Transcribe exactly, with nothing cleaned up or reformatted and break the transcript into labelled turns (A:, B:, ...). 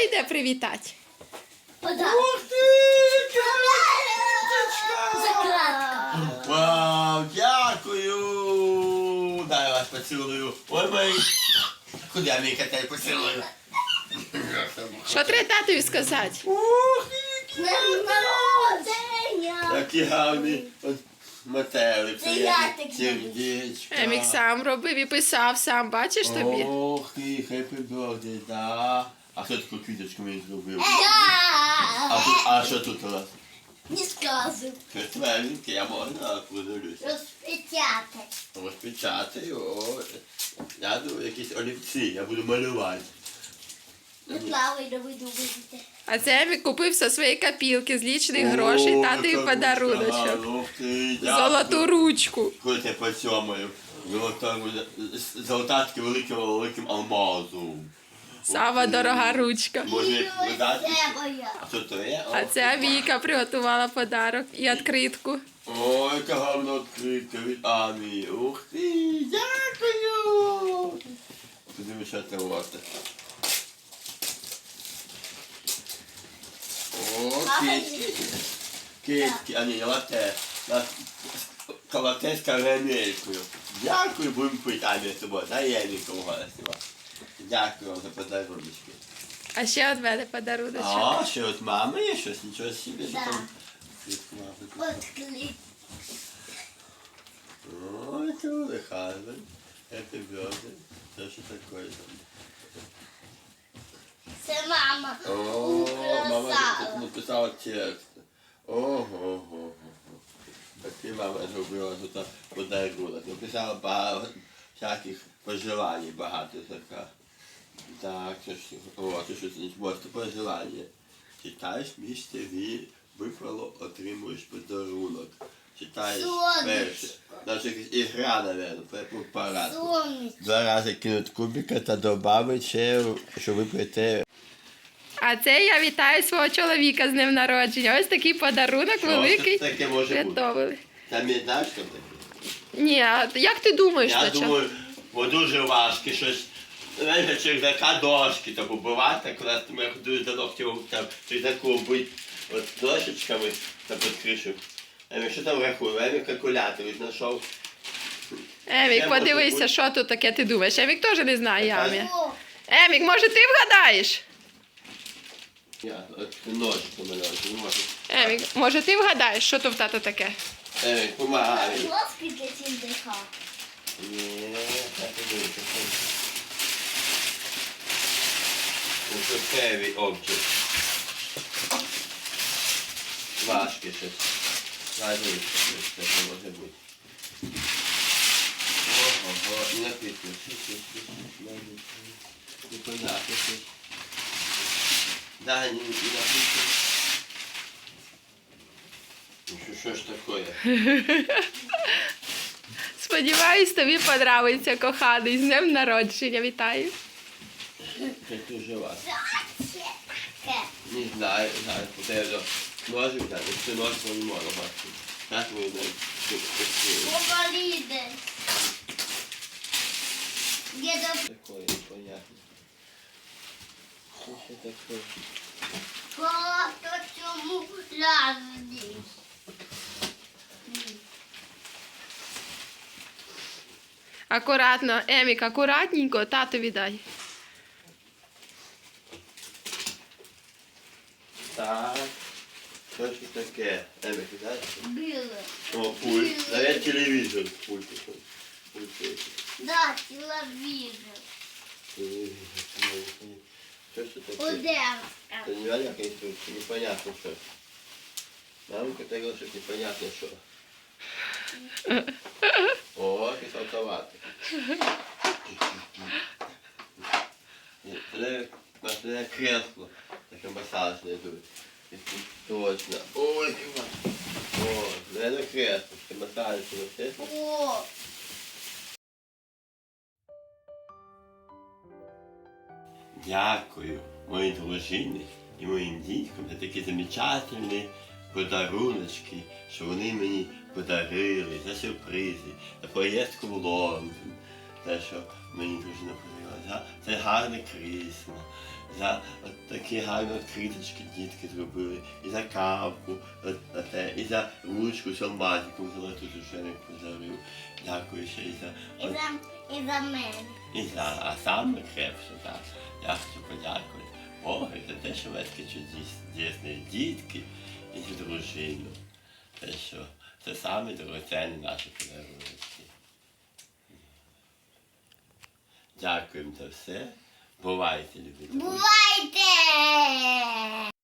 A: йде привітати?
B: Ух ти!
C: Закладка.
B: Вау, дякую! Дай я вас поцілую. Ой, мой. Куди я мій котей поцілую?
A: Що треба татові сказати?
B: Ух,
C: З днем народження.
B: який гарний от метелик.
C: Це я так
B: сердечко.
A: Емік сам робив і писав сам, бачиш тобі?
B: Ох ти, happy birthday, да. А хто таку квіточку мені зробив? А,
C: Я.
B: тут, а що тут у вас?
C: Не сказав.
B: Щось тваринки, я можна подивлюсь.
C: Розпечатати.
B: Розпечатаю, о. Я думаю, якісь олівці, я буду малювати.
C: Не плавай, не буду видіти.
A: А це Емік купив зі своєї копілки з лічних грошей татові
B: яка
A: подаруночок.
B: ручка, ух ти, дякую.
A: Золоту ручку.
B: Коли ти поцьомаю. Золота, золота таки великим, великим алмазом.
A: Сама дорога ручка.
B: Може видати?
C: Це моя.
B: А що то є?
A: А це Віка приготувала подарок і відкритку.
B: Ой, яка гарна відкритка від Амі. Ух ти, дякую. Подивись, що це у вас таке. О, китки. Китки, а ні, лате. Лате з карамелькою. Дякую, будемо пити, Амі, з тобою. Дай я Еміка угостила. Дякую вам за подаруночки.
A: А ще від мене подаруночок.
B: А, ще от мами є щось, нічого собі. що
C: Да.
B: там.
C: От кліп.
B: Ой, це буде гарно. Happy birthday. Це що таке там?
C: Це мама.
B: О, мама
C: Украсала.
B: тут написала текст. Ого-го-го. Такий мама зробила тут подарунок. Написала багато всяких пожелань, багато така. Так, це ж, о, це щось не просто пожелання. Читаєш місце ві, випало, отримуєш подарунок. Читаєш
C: Сонечко.
B: перше. Навіть якась ігра, мабуть, по параду.
C: Сонечко.
B: Два рази кинуть кубика та додати ще, що ви прийте.
A: А це я вітаю свого чоловіка з днем народження. Ось такий подарунок
B: Що
A: великий.
B: це таке може бути?
A: Приготовили.
B: Там є знаєш, що таке?
A: Ні, а як ти думаєш,
B: Я
A: на чому?
B: думаю, бо дуже важке щось. Знаєш, чердака дошки, так убивати, коли ми ходили до ногтів, там чердаку бить от дошечками та під кришу. Емік, що там рахує? Емік калькулятор знайшов.
A: Емік,
B: Це може
A: подивися,
B: бути.
A: що тут таке ти думаєш. Емік теж не знає
B: Така
A: Ямі.
C: О,
A: Емік, може ти вгадаєш?
B: Я, от ножку мене, не можу.
A: Емік, може ти вгадаєш, що тут в тата таке?
B: Емік, помагай.
C: Ласки для сіндика.
B: Ні, так і буде. Це heavy object. Важке щось. Важливе щось, це що може бути. Ого, і написано. Непонятно щось. Да, не написано. Ну що, що ж таке?
A: Сподіваюсь, тобі подобається, коханий. З днем народження, вітаю.
B: Це дуже важко.
C: Зачекай.
B: Не знаю, знаю, потрібно ножик взяти, якщо нож, то не можна бачити. Так ми не пустили.
C: Поболіде. Дідо.
B: Такое непонятно. Що це таке?
C: Просто цьому лазні.
A: Акуратно, Емік, акуратненько, татові дай.
B: Так. Що ж це таке? Емік, знаєш?
C: Біле.
B: О, пульт. Навіть телевізор пульт такий. Пульт який.
C: Да, телевізор.
B: Телевізор. Що ж це таке?
C: Одежка.
B: Це не яка інструкція, непонятно що. Мамка сказала, що непонятно що. О, якийсь автомат. Це це кресло, таке масажне йдуть. Точно. Ой, дива. О, це не кресло, це масажне кресло.
C: О,
B: Дякую моїй дружині і моїм дітям за такі замечательні подаруночки, що вони мені подарили, за сюрпризи, за поїздку в Лондон. Те, що мені дружина подарила. за це гарне крісло, за от такі гарні от квіточки дітки зробили, і за кавку, от, от, те, і за ручку з алмазиком золоту дружиник подарив. Дякую ще і за,
C: І
B: от,
C: за, і за мене.
B: і за, а саме крепше, так. Я хочу подякувати Богу за те, що ви такі чудесні дітки і за дружину. Те, що це саме дорогоцінні наші подарунки. Дякуємо за все. Бувайте, любі друзі.
C: Бувайте!